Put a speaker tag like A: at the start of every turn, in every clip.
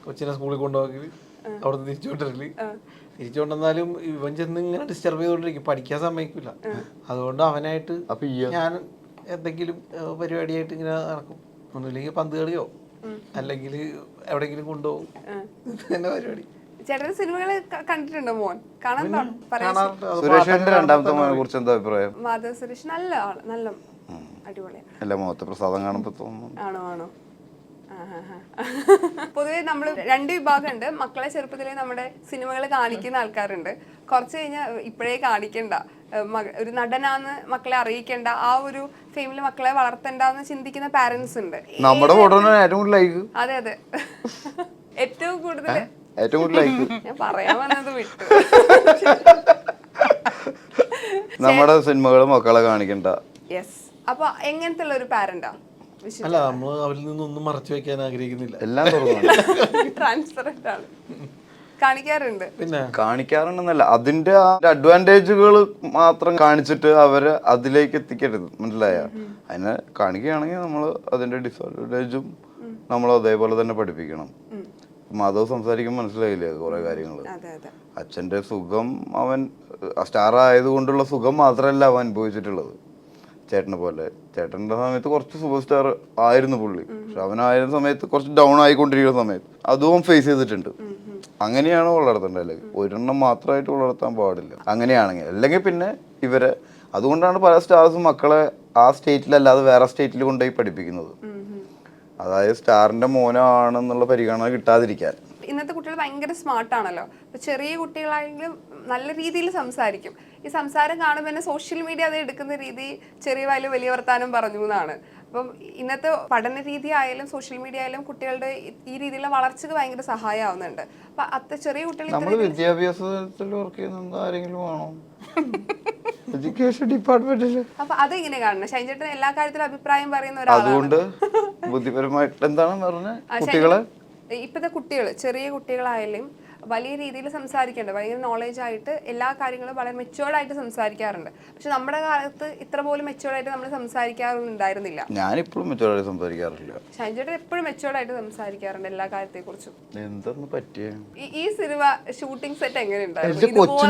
A: കൊച്ചിനെ സ്കൂളിൽ കൊണ്ടുപോകല്, അവിടെ തിരിച്ചുകൊണ്ടിരല്. തിരിച്ചുകൊണ്ടെന്നാലും ഇവൻ ചെന്ന് ഇങ്ങനെ ഡിസ്റ്റർബ് ചെയ്തുകൊണ്ടിരിക്കും, പഠിക്കാൻ സമ്മതിക്കില്ല. അതുകൊണ്ട് അവനായിട്ട് ഞാൻ എന്തെങ്കിലും പരിപാടിയായിട്ട് ഇങ്ങനെ നടക്കും. ഒന്നുമില്ലെങ്കിൽ പന്ത് കളിയോ അല്ലെങ്കിൽ എവിടെയെങ്കിലും കൊണ്ടുപോകും. ഇത് തന്നെ പരിപാടി.
B: ചേട്ടന്റെ സിനിമകൾ കണ്ടിട്ടുണ്ടോ മോൻ?
C: സുരേഷിന്റെ രണ്ടാമത്തെ മോനെ കുറിച്ച് എന്താ അഭിപ്രായം?
B: മാധവ് സുരേഷ് നല്ല ആള്, നല്ല അടിപൊളിയാണ്.
C: അല്ല, മുഖത്തെ പ്രസാദം കാണുമ്പോ തോന്നുന്നു.
B: ആണോ? പൊതുവെ നമ്മൾ രണ്ട് വിഭാഗമുണ്ട്. മക്കളെ ചെറുപ്പത്തിലേ നമ്മുടെ സിനിമകൾ കാണിക്കുന്ന ആൾക്കാരുണ്ട്. കുറച്ച് കഴിഞ്ഞാൽ ഇപ്പോഴേ കാണിക്കണ്ട, ഒരു നടനാന്ന് മക്കളെ അറിയിക്കേണ്ട, ആ ഒരു ഫെയിമില് മക്കളെ വളർത്തണ്ടെന്ന് ചിന്തിക്കുന്ന പാരന്റ്സ് ഉണ്ട്.
C: നമ്മുടെ ലൈക്ക്.
B: അതെ ഏറ്റവും കൂടുതൽ ഞാൻ പറയാൻ വന്നത് വിട്ടു.
C: നമ്മുടെ സിനിമകൾ മക്കളെ കാണിക്കണ്ട.
B: യെസ്. അപ്പൊ എങ്ങനത്തെ ഉള്ള ഒരു പാരന്റാ?
A: അല്ല, നമ്മൾ അവരിൽ നിന്നൊന്നും മറച്ചു വെക്കാൻ ആഗ്രഹിക്കുന്നില്ല.
C: എല്ലാം തുറന്നു
B: ട്രാൻസ്പെറന്റ് ആണ്. കാണിക്കാറുണ്ട്.
A: പിന്നെ
C: കാണിക്കാറുണ്ടെന്നല്ല, അതിന്റെ അഡ്വാൻറ്റേജുകൾ മാത്രം കാണിച്ചിട്ട് അവരെ അതിലേക്ക് എത്തിക്കരുത്, മനസ്സിലായ? അതിനെ കാണിക്കുകയാണെങ്കിൽ നമ്മൾ അതിന്റെ ഡിസഡ്വാൻറ്റേജും നമ്മൾ അതേപോലെ തന്നെ പഠിപ്പിക്കണം. മാധവ് സംസാരിക്കുമ്പോൾ മനസ്സിലായില്ലേ കുറെ കാര്യങ്ങൾ. അച്ഛന്റെ സുഖം, അവൻ സ്റ്റാർ ആയതുകൊണ്ടുള്ള സുഖം മാത്രമല്ല അവൻ അനുഭവിച്ചിട്ടുള്ളത്. ചേട്ടനെ പോലെ ചേട്ടൻ്റെ സമയത്ത് കുറച്ച് സൂപ്പർ സ്റ്റാർ ആയിരുന്നു പുള്ളി, പക്ഷെ അവനായിരുന്ന സമയത്ത് കുറച്ച് ഡൗൺ ആയിക്കൊണ്ടിരിക്കുന്ന സമയത്ത് അതും ഫേസ് ചെയ്തിട്ടുണ്ട്. അങ്ങനെയാണ് വളർത്തേണ്ടത്, അല്ലെങ്കിൽ ഒരെണ്ണം മാത്രമായിട്ട് വളർത്താൻ പാടില്ല. അങ്ങനെയാണെങ്കിൽ അല്ലെങ്കിൽ പിന്നെ ഇവരെ, അതുകൊണ്ടാണ് പല സ്റ്റാർസും മക്കളെ ആ സ്റ്റേറ്റിലല്ലാതെ വേറെ സ്റ്റേറ്റിൽ കൊണ്ടുപോയി പഠിപ്പിക്കുന്നത്. അതായത് സ്റ്റാറിന്റെ മോനാണെന്നുള്ള പരിഗണന കിട്ടാതിരിക്കാൻ.
B: ഇന്നത്തെ കുട്ടികൾ ഭയങ്കര സ്മാർട്ടാണല്ലോ. അപ്പോൾ ചെറിയ കുട്ടികളാണെങ്കിലും നല്ല രീതിയിൽ സംസാരിക്കും. ഈ സംസാരം കാണുമ്പോൾ തന്നെ സോഷ്യൽ മീഡിയ അത് എടുക്കുന്ന രീതി ചെറിയ വായില് വലിയ വർത്താനം പറഞ്ഞു എന്നാണ്. അപ്പം ഇന്നത്തെ പഠന രീതി ആയാലും സോഷ്യൽ മീഡിയ ആയാലും കുട്ടികളുടെ ഈ രീതിയിലുള്ള വളർച്ചയ്ക്ക് ഭയങ്കര സഹായമാവുന്നുണ്ട്. അപ്പൊ ചെറിയ കുട്ടികൾ
C: വിദ്യാഭ്യാസത്തിൽ വർക്ക് ചെയ്യുന്ന ആരെങ്കിലും ആണോ? എഡ്യൂക്കേഷൻ ഡിപ്പാർട്ട്മെന്റില്.
B: അപ്പൊ അതെങ്ങനെ കാണണം? ഷൈൻചേട്ടൻ എല്ലാ കാര്യത്തിലും അഭിപ്രായം പറയുന്ന ഒരാളാണ്.
C: അതുകൊണ്ട് ബുദ്ധിപരമായിട്ട് എന്താണ് പറഞ്ഞത്? കുട്ടികളെ
B: ഇപ്പോഴത്തെ കുട്ടികൾ, ചെറിയ കുട്ടികളായാലും വലിയ രീതിയിൽ സംസാരിക്കേണ്ടത്, ഭയങ്കര നോളേജ് ആയിട്ട് എല്ലാ കാര്യങ്ങളും വളരെ മെച്ചുവേർഡായിട്ട് സംസാരിക്കാറുണ്ട്. പക്ഷെ നമ്മുടെ കാലത്ത് ഇത്ര പോലും മെച്ചുവേർഡായിട്ട് നമ്മൾ സംസാരിക്കാറൊന്നും ഉണ്ടായിരുന്നില്ല.
C: ഞാനിപ്പോഴും മെച്ചുവേർഡായിട്ട് സംസാരിക്കാറില്ല.
B: ഷൈൻചേട്ടൻ എപ്പോഴും മെച്ചുവേർഡായിട്ട് സംസാരിക്കാറുണ്ട് എല്ലാ കാര്യത്തെ കുറിച്ചും.
C: എന്തെന്ന് പറ്റിയ
B: ഈ സിനിമ ഷൂട്ടിംഗ് സെറ്റ് എങ്ങനെയുണ്ടായിരുന്നു?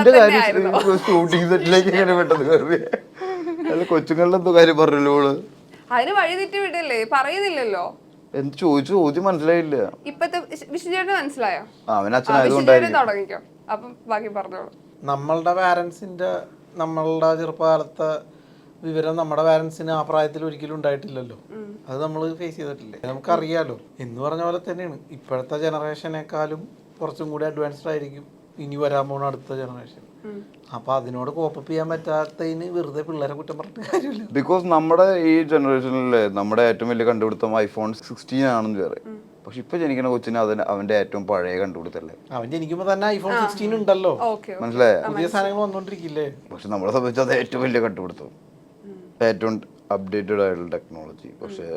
C: ഷൂട്ടിംഗ് സെറ്റിലേക്ക് എങ്ങനെ പെട്ടെന്ന് കയറി? കൊച്ചുങ്ങളുടെ എന്തോ കാര്യം പറഞ്ഞല്ലോ.
B: അതിന് വഴി തെറ്റി വിടല്ലേ, പറയുന്നില്ലല്ലോ.
C: എന്ത് ചോദിച്ചു? ചോദ്യം മനസ്സിലായില്ല.
B: ഇപ്പത്തെ വിഷ്ണുചേട്ടന് മനസ്സിലായോ? തുടങ്ങിക്കോ, അപ്പം ബാക്കി പറഞ്ഞോളൂ.
A: നമ്മളുടെ പാരന്റ്സിന്റെ, നമ്മളുടെ ചെറുപ്പകാലത്തെ വിവരം നമ്മുടെ പാരന്റ്സിന് ആ പ്രായത്തിൽ ഒരിക്കലും ഉണ്ടായിട്ടില്ലല്ലോ. അത് നമ്മൾ ഫേസ് ചെയ്തിട്ടില്ലേ, നമുക്കറിയാലോ. എന്ന് പറഞ്ഞ പോലെ തന്നെയാണ് ഇപ്പോഴത്തെ ജനറേഷനേക്കാളും കുറച്ചും കൂടി അഡ്വാൻസ്ഡ് ആയിരിക്കും ഇനി വരാൻ പോകുന്ന അടുത്ത ജനറേഷൻ. അപ്പൊ അതിനോട് കോപ്പപ്പ് ചെയ്യാൻ പറ്റാത്തതിന് വെറുതെ പിള്ളേരെ കുറ്റം പറഞ്ഞിട്ട് കാര്യമില്ല.
C: ബിക്കോസ് നമ്മുടെ ഈ ജനറേഷനിലെ നമ്മുടെ ഏറ്റവും വലിയ കണ്ടുപിടുത്തം iPhone 16 ആണെന്ന് പറയും. പക്ഷെ ഇപ്പൊ ജനിക്കുന്ന കൊച്ചിന് അവന്റെ ഏറ്റവും പഴയ കണ്ടുപിടുത്തല്ലേ.
A: അവൻ ജനിക്കുമ്പോ തന്നെ iPhone 16 ഉണ്ടല്ലോ,
C: മനസ്സിലായ?
A: പുതിയ സാധനങ്ങൾ വന്നോണ്ടിരിക്കില്ലേ.
C: പക്ഷെ നമ്മളെ സംബന്ധിച്ച് അത് ഏറ്റവും വലിയ കണ്ടുപിടുത്തം, ഏറ്റവും അപ്ഡേറ്റഡ് ആയിട്ടുള്ള ടെക്നോളജി. പക്ഷെ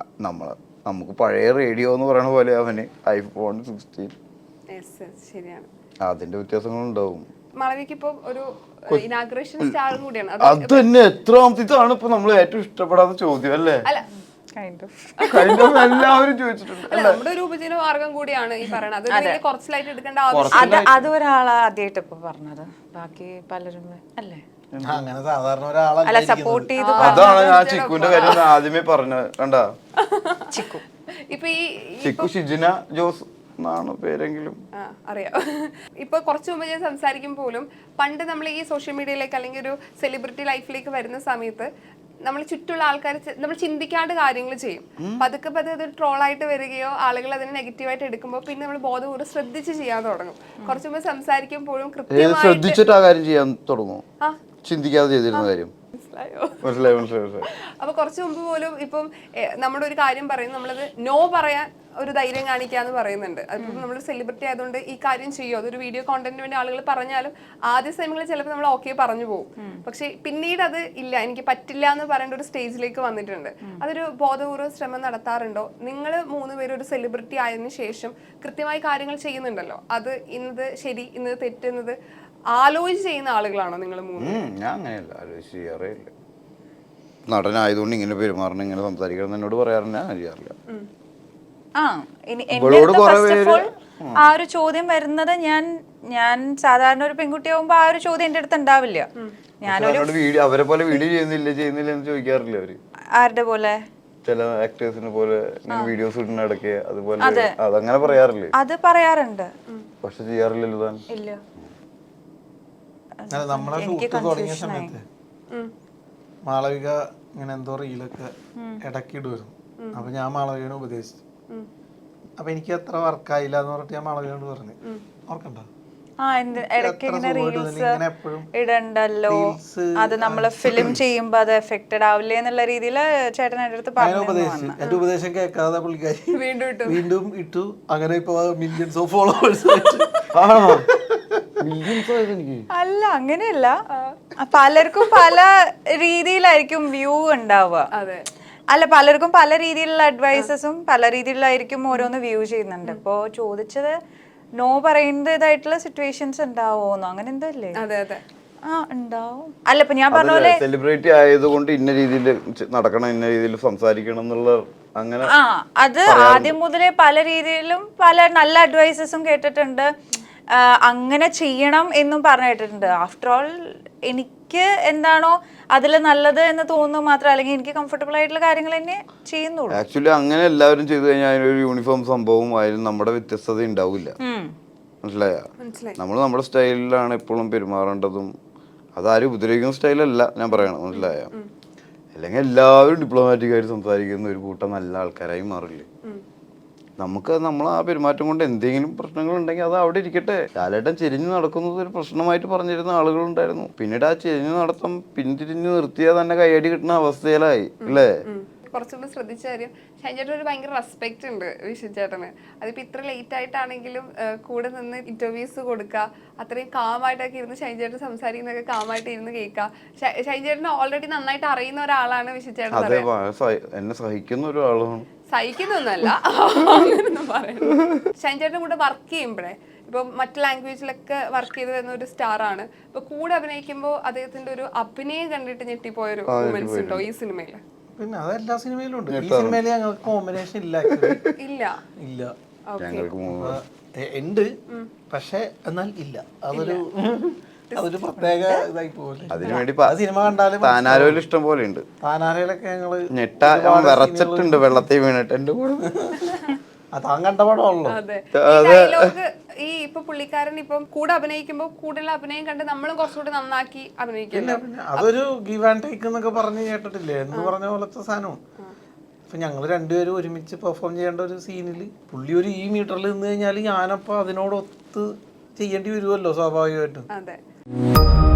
C: നമുക്ക് പഴയ റേഡിയോ എന്ന് പറയുന്ന പോലെ അവന് iPhone 16.
B: ശരിയാണ്,
C: അതിന്റെ വ്യത്യാസങ്ങളുണ്ടാവും.
B: മാളവിക്ക് ഒരു ഇനാഗുറേഷൻ സ്റ്റാർ കൂടിയാണ്.
C: അത് തന്നെ എത്രാമത്താണ് ഇപ്പൊ നമ്മൾ ഏറ്റവും ഇഷ്ടപ്പെടാത്ത ചോദ്യം അല്ലേ? എല്ലാവരും ചോദിച്ചിട്ടുണ്ട്.
B: നമ്മുടെ ഒരു ഉപജീവന മാർഗം കൂടിയാണ് ഈ പറയണത്. കുറച്ചിലായിട്ട് എടുക്കേണ്ട ആവശ്യം.
D: അത് ഒരാളാ ആദ്യമായിട്ട് ഇപ്പൊ പറഞ്ഞത്, ബാക്കി പലരും അല്ലേ
A: അങ്ങനെ സാധാരണ ഒരാളെ
D: സപ്പോർട്ട് ചെയ്ത്.
C: അതാണ് ഞാൻ ചിക്കുന്റെ കാര്യം ആദ്യമേ പറഞ്ഞത്. കണ്ടാ,
B: ചിക്കു ഇപ്പൊ
C: ചിക്കു ഷിജിന ജോസ് എന്നാണ് പേരെങ്കിലും
B: അറിയാം. ഇപ്പൊ കുറച്ചു മുമ്പ് ഞാൻ സംസാരിക്കും പോലും, പണ്ട് നമ്മൾ ഈ സോഷ്യൽ മീഡിയയിലേക്ക് അല്ലെങ്കിൽ ഒരു സെലിബ്രിറ്റി ലൈഫിലേക്ക് വരുന്ന സമയത്ത് നമ്മൾ ചുറ്റുള്ള ആൾക്കാർ നമ്മൾ ചിന്തിക്കാണ്ട് കാര്യങ്ങൾ ചെയ്യും. പതുക്കെ അത് ട്രോളായിട്ട് വരികയോ ആളുകൾ അതിനെ നെഗറ്റീവായിട്ട് എടുക്കുമ്പോൾ പിന്നെ നമ്മൾ ബോധപൂർവ്വം ശ്രദ്ധിച്ച് ചെയ്യാൻ തുടങ്ങും. കുറച്ചു മുമ്പ് സംസാരിക്കുമ്പോഴും
C: ശ്രദ്ധിച്ചിട്ട് ആ കാര്യം ചെയ്യാൻ തുടങ്ങും, ചിന്തിക്കാതെ ചെയ്തിരുന്ന കാര്യം.
B: അപ്പൊ കുറച്ചു മുമ്പ് പോലും ഇപ്പം നമ്മുടെ ഒരു കാര്യം പറയുന്നത് നമ്മളത് നോ പറയാൻ ഒരു ധൈര്യം കാണിക്കാന്ന് പറയുന്നുണ്ട്. അതിപ്പം നമ്മൾ സെലിബ്രിറ്റി ആയതുകൊണ്ട് ഈ കാര്യം ചെയ്യും, അതൊരു വീഡിയോ കോണ്ടന്റിന് വേണ്ടി ആളുകൾ പറഞ്ഞാലും ആദ്യ സമയങ്ങളിൽ ചിലപ്പോൾ നമ്മൾ ഓക്കെ പറഞ്ഞു പോകും. പക്ഷെ പിന്നീട് അത് ഇല്ല, എനിക്ക് പറ്റില്ല എന്ന് പറയേണ്ട ഒരു സ്റ്റേജിലേക്ക് വന്നിട്ടുണ്ട്. അതൊരു ബോധപൂർവ്വ ശ്രമം നടത്താറുണ്ടോ? നിങ്ങൾ 3 പേരും ഒരു സെലിബ്രിറ്റി ആയതിനു ശേഷം കൃത്യമായി കാര്യങ്ങൾ ചെയ്യുന്നുണ്ടല്ലോ, അത് ഇന്നത് ശരി ഇന്നത് തെറ്റുന്നത് ആലോചിച്ച് ചെയ്യുന്ന ആളുകളാണോ നിങ്ങൾ 3?
C: ഞാൻ അങ്ങനെയല്ല, ആലോചിച്ച് ചെയ്യാറില്ല. നടനായതുകൊണ്ട് ഇങ്ങനെ പെരുമാറണം, ഇങ്ങനെ സംസാരിക്കണം എന്നോട് പറയാറുണ്ട്, ഞാൻ ചെയ്യാറില്ല.
D: ആ ഒരു ചോദ്യം വരുന്നത് ഞാൻ സാധാരണ ഒരു പെൺകുട്ടിയാവുമ്പോ ആ ഒരു ചോദ്യം എന്റെ അടുത്ത് ഉണ്ടാവില്ല.
C: വീഡിയോ അവരെ പോലെ വീഡിയോ ചെയ്യുന്നില്ല എന്ന് ചോദിക്കാറില്ല അവര്.
D: ആരുടെ പോലെ?
C: ചില ആക്ടേഴ്സിനെ പോലെ വീഡിയോസ് ഇടുന്ന ഇടയ്ക്ക് അതുപോലെ അതങ്ങനെ പറയാറില്ലേ?
D: അത് പറയാറുണ്ട്,
C: പക്ഷെ ചെയ്യാറില്ലല്ലോ താൻ.
D: ഇല്ല.
A: നമ്മളെ ഷൂട്ട് തുടങ്ങിയ സമയത്ത് മാളവിക ഇങ്ങനെ എന്തോ റീലൊക്കെ ഇടയ്ക്ക് ഇടുമായിരുന്നു. അപ്പൊ ഞാൻ മാളവികനെ ഉപദേശിച്ചു. അപ്പൊ എനിക്ക് അത്ര വർക്കായില്ല എന്ന് പറഞ്ഞിട്ട് ഞാൻ മാളവികയോട് പറഞ്ഞു, ഓർക്കണ്ട
D: ഇടയ്ക്ക് ഇങ്ങനെ റീൽസ് ഇടണ്ടല്ലോ, അത് നമ്മള് ഫിലിം ചെയ്യുമ്പോ അത് എഫക്റ്റഡ് ആവില്ലേ എന്നുള്ള രീതിയിൽ ചേട്ടൻ എന്റെ അടുത്ത് പറഞ്ഞു.
A: എന്റെ ഉപദേശം കേൾക്കാതെ പുള്ളിക്കാരി വീണ്ടും ഇട്ടു. അങ്ങനെ ഇപ്പൊ മില്യൺസ് ഓഫ് ഫോളോവേഴ്സ്.
D: അല്ല, അങ്ങനെയല്ല, പലർക്കും പല രീതിയിലായിരിക്കും വ്യൂ ഉണ്ടാവുക. അല്ല, പലർക്കും പല രീതിയിലുള്ള അഡ്വൈസസും പല രീതിയിലായിരിക്കും ഓരോന്ന് വ്യൂ ചെയ്യുന്നുണ്ട്. ഇപ്പൊ ചോദിച്ചത് നോ പറയുന്നതായിട്ടുള്ള സിറ്റുവേഷൻസ് ഉണ്ടാവോന്നോ, അങ്ങനെ എന്തോ അല്ലേ? ഉണ്ടാവും. അല്ല, ഇപ്പൊ ഞാൻ പറഞ്ഞ പോലെ
C: സെലിബ്രിറ്റി ആയതുകൊണ്ട് ഇന്ന രീതിയിൽ നടക്കണം, ഇന്ന രീതിയിൽ സംസാരിക്കണം എന്നുള്ള അങ്ങനെ
D: അത് ആദ്യം മുതലേ പല രീതിയിലും പല നല്ല അഡ്വൈസസും കേട്ടിട്ടുണ്ട്. അങ്ങനെ ചെയ്യണം എന്നും പറഞ്ഞു കേട്ടിട്ടുണ്ട്. ആഫ്റ്റർ ഓൾ എനിക്ക് എന്താണോ അതിൽ നല്ലത് എന്ന് തോന്നുന്നു മാത്രം, അല്ലെങ്കിൽ എനിക്ക് കംഫർട്ടബിൾ ആയിട്ടുള്ള കാര്യങ്ങൾ തന്നെ ചെയ്യുന്നുള്ളൂ.
C: ആക്ച്വലി അങ്ങനെ എല്ലാവരും ചെയ്തു കഴിഞ്ഞാൽ അതിനൊരു യൂണിഫോം സംഭവം അതിൽ നമ്മുടെ വ്യത്യസ്തത ഉണ്ടാവില്ല. മനസ്സിലായ? നമ്മൾ നമ്മുടെ സ്റ്റൈലിലാണ് എപ്പോഴും പെരുമാറേണ്ടതും. അതാരും ഉപദ്രവിക്കുന്ന സ്റ്റൈലല്ല ഞാൻ പറയണം. മനസ്സിലായ? അല്ലെങ്കിൽ എല്ലാവരും ഡിപ്ലോമാറ്റിക് ആയിട്ട് സംസാരിക്കുന്ന ഒരു കൂട്ടം നല്ല ആൾക്കാരായി മാറില്ലേ? നമുക്ക് നമ്മൾ ആ പെരുമാറ്റം കൊണ്ട് എന്തെങ്കിലും പ്രശ്നങ്ങൾ ഉണ്ടെങ്കിൽ അത് അവിടെ ഇരിക്കട്ടെ. ലാലേട്ടൻ ചെരിഞ്ഞു നടക്കുന്നത് ഒരു പ്രശ്നമായിട്ട് പറഞ്ഞിരുന്ന ആളുകളുണ്ടായിരുന്നു. പിന്നീട് ആ ചെരിഞ്ഞു നടത്തം പിന്തിരിഞ്ഞു നിർത്തിയാൽ തന്നെ കൈയടി കിട്ടുന്ന അവസ്ഥയിലായി അല്ലേ?
B: കുറച്ചുകൂടി ശ്രദ്ധിച്ച കാര്യം, ഷൈൻ ചേട്ടൻ ഒരു ഭയങ്കര റെസ്പെക്ട് ഉണ്ട് വിഷു ചേട്ടന്. അതിപ്പോ ഇത്ര ലേറ്റ് ആയിട്ടാണെങ്കിലും കൂടെ നിന്ന് ഇന്റർവ്യൂസ് കൊടുക്കുക, അത്രയും കാമായിട്ടൊക്കെ ഇരുന്ന് ഷൈൻ ചേട്ടൻ സംസാരിക്കുന്നതൊക്കെ കാമായിട്ട് ഇരുന്ന് കേൾക്കുക. ഷൈൻ ചേട്ടന് ഓൾറെഡി നന്നായിട്ട് അറിയുന്ന ഒരാളാണ് വിഷു ചേട്ടൻ.
C: അതെ, എന്നെ സഹിക്കുന്ന ഒരാളാണ്.
B: സഹിക്കുന്നൊന്നല്ല, അങ്ങനൊന്നും പറയുന്നത്. ഷൈൻ ചേട്ടൻ്റെ കൂടെ വർക്ക് ചെയ്യുമ്പോഴേ, ഇപ്പൊ മറ്റു ലാംഗ്വേജിലൊക്കെ വർക്ക് ചെയ്ത് വരുന്ന ഒരു സ്റ്റാർ ആണ്. ഇപ്പൊ കൂടെ അഭിനയിക്കുമ്പോൾ അദ്ദേഹത്തിന്റെ ഒരു അഭിനയം കണ്ടിട്ട് ഞെട്ടിപ്പോയൊരു മൂമെന്റ്സ് ഉണ്ടോ ഈ സിനിമയില്?
A: പിന്നെ അതെല്ലാ സിനിമയിലും ഉണ്ട്. ഈ സിനിമയിൽ ഞങ്ങൾക്ക് കോമ്പിനേഷൻ ഇല്ല. ഇല്ല ഉണ്ട്, പക്ഷെ എന്നാൽ ഇല്ല. അതൊരു പ്രത്യേക ഇതായി പോലെ.
C: അതിനുവേണ്ടി
A: സിനിമ കണ്ടാലും
C: താനാരോയിൽ ഇഷ്ടം പോലെ ഉണ്ട്.
A: താനാരയിലൊക്കെ ഞങ്ങള്
C: വിറച്ചിട്ടുണ്ട് വെള്ളത്തിൽ വീണിട്ട് എന്റെ കൂടെ.
A: താൻ കണ്ട പടമാണല്ലോ.
B: ഈ ഇപ്പൊ പുള്ളിക്കാരൻ ഇപ്പം കൂടെ അഭിനയിക്കുമ്പോ കൂടുതൽ അഭിനയം കണ്ട് നമ്മളും കുറച്ചുകൂടി നന്നാക്കി അഭിനയിക്കില്ല.
A: അതൊരു ഗീവ് ആൻഡ് ടേക്ക് എന്നൊക്കെ പറഞ്ഞ് കേട്ടിട്ടില്ലേ എന്ന് പറഞ്ഞ പോലത്തെ സാധനവും. ഇപ്പൊ ഞങ്ങള് രണ്ടുപേരും ഒരുമിച്ച് പെർഫോം ചെയ്യേണ്ട ഒരു സീനില് പുള്ളി ഒരു ഈ മീറ്ററിൽ നിന്ന് കഴിഞ്ഞാൽ ഞാനപ്പോ അതിനോടൊത്ത് ചെയ്യേണ്ടി വരുമല്ലോ സ്വാഭാവികമായിട്ടും.
B: അതെ.